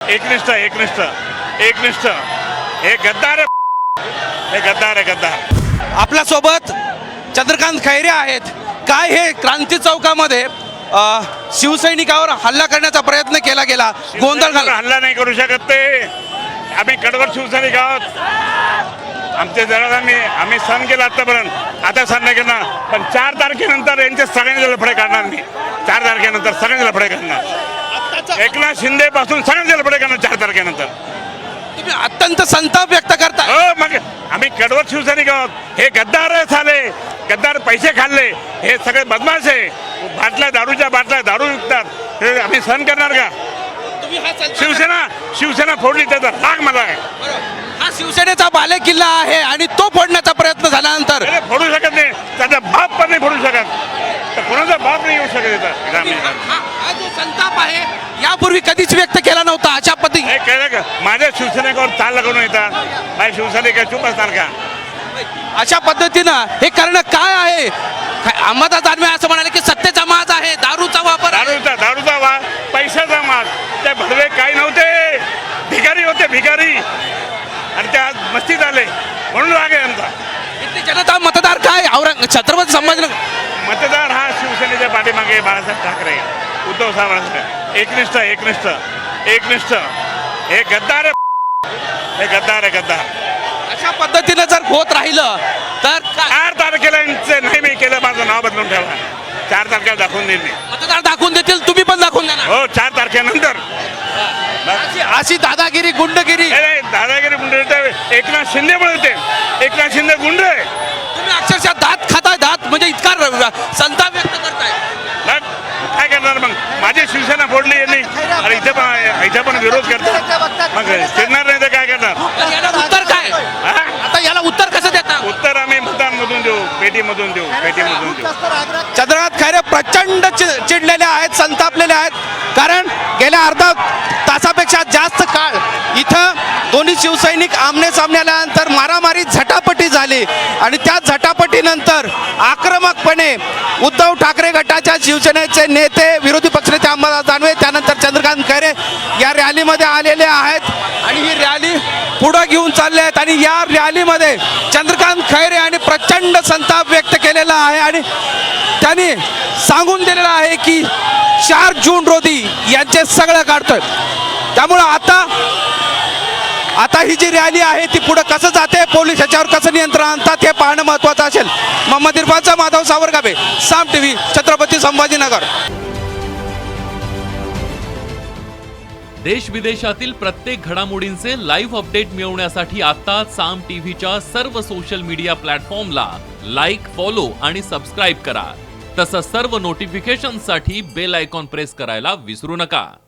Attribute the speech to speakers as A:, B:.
A: एकनिष्ठ एकनिष्ठ एकनिष्ठ हे गद्दार आहे, हे गद्दार आहे, गद्दार.
B: आपल्यासोबत चंद्रकांत खैरे आहेत. काय हे क्रांती चौकामध्ये शिवसैनिकावर हल्ला करण्याचा प्रयत्न केला गेला, गोंधळ झाला.
A: हल्ला नाही करू शकत ते. आम्ही कडवट शिवसैनिक आहोत. आमचे जरा आम्ही सहन केला आतापर्यंत, आता सहन नाही करणार. पण 4 तारखेनंतर यांचे सगळ्यांचे लफडे काढणार मी. 4 तारखेनंतर सगळ्यांचे लफडे करणार. एकनाथ शिंदे पासून सगळ्यांचे लफडे करणार 4 तारखेनंतर.
B: तुम्ही अत्यंत संताप व्यक्त करता.
A: हो, मग आम्ही कडवट शिवसैनिक आहोत. हे गद्दार झाले, गद्दार पैसे खाल्ले, हे सगळे बदमाश आहे. बाटल्या दारूच्या बाटल्या दारू विकतात, हे आम्ही सहन करणार का?
B: तुम्ही हा
A: शिवसेना फोडली, त्याचा राग मला आहे.
B: हा शिवसेनेचा बाले किल्ला आहे आणि तो फोडण्याचा प्रयत्न झाल्यानंतर
A: अरे फोडू शकत नाही, त्याचा बाप पण नाही फोडू शकत. तर कोणाचा बाप नाही येऊ शकत इथं.
B: हा जो संताप आहे यापूर्वी कधीच व्यक्त केला नव्हता अशा पद्धतीने.
A: हे कळलं का? माझ्या शिवसेनेवर चाल लागून येतात. माझ्या शिवसैनिक चूप असणार का?
B: अशा पद्धतीनं हे करणं काय आहे? अहमददास दानवे असं म्हणाले की सत्तेचा माज आहे, दारूचा वापर आहे.
A: दारूचा वाद, पैशाचा माज. ते भडवे काही नव्हते, भिकारी होते, भिकारी. आणि ते आज मस्तीत आले म्हणून राग आहे आमचा.
B: इथली जनता मतदार काय छत्रपती संभाजीनगर
A: मतदार हा शिवसेनेच्या पाठीमागे बाळासाहेब ठाकरे, उद्धव साहेब. एकनिष्ठ एकनिष्ठ एकनिष्ठ हे गद्दार आहे, हे गद्दार आहे, गद्दार.
B: अशा पद्धतीनं जर होत राहिलं तर
A: 4 तारखेला यांचं नाही मी केलं, माझं नाव बदलून ठेवा. 4 तारखेला दाखवून देईल मी.
B: मतदार दाखवून देतील, तुम्ही पण दाखवून देणार.
A: हो, 4 तारखेनंतर.
B: अशी दादागिरी गुंडगिरी.
A: दादागिरी गुंड एकनाथ शिंदेमुळे होते. एकनाथ शिंदे गुंड आहे.
B: तुम्ही अक्षरशः दात खाताय, दात म्हणजे इतका संताप व्यक्त करताय.
A: मग काय करणार? मग माझी शिवसेना फोडली यांनी, आणि इथे पण विरोध करतात. मग चिडणार नाही तर काय करणार?
B: तर याला उत्तर काय? आता याला उत्तर कसं देता?
A: उत्तर आम्ही मतांमधून देऊ, पेटीमधून देऊ, पेटीमधून देऊ.
B: चंद्रकांत खैरे प्रचंड चिडलेले आहेत, संतापलेले आहेत. कारण गेल्या अर्धा तासापेक्षा जास्त काळ इथं दोन्ही शिवसैनिक आमने सामने आल्यानंतर मारामारी झटापटी झाली आणि त्या झटापटीनंतर आक्रमकपणे उद्धव ठाकरे गटाच्या शिवसेनेचे नेते, विरोधी पक्षनेते अहमददास दानवे, त्यानंतर चंद्रकांत खैरे या रॅलीमध्ये आलेले आहेत आणि ही रॅली पुढे घेऊन चालले आहेत. आणि या रॅलीमध्ये चंद्रकांत खैरे यांनी प्रचंड संताप व्यक्त केलेला आहे आणि त्यांनी सांगून दिलेलं आहे की 4 जून रोजी यांचे सगळं काढतोय. त्यामुळं आता ही जी रॅली आहे ती पुढे कसं जाते, पोलीस याच्यावर कसं नियंत्रण आणतात हे पाहणं महत्त्वाचं असेल. मोहम्मद इरफानचा माधव सावरगावे, साम टीव्ही, छत्रपती संभाजीनगर.
C: देश विदेशातील प्रत्येक घडामोडींचे लाईव्ह अपडेट मिळवण्यासाठी आता साम टीव्हीच्या सर्व सोशल मीडिया प्लॅटफॉर्मला लाईक, फॉलो आणि सबस्क्राईब करा. तसंच सर्व नोटिफिकेशनसाठी बेल आयकॉन प्रेस करायला विसरू नका.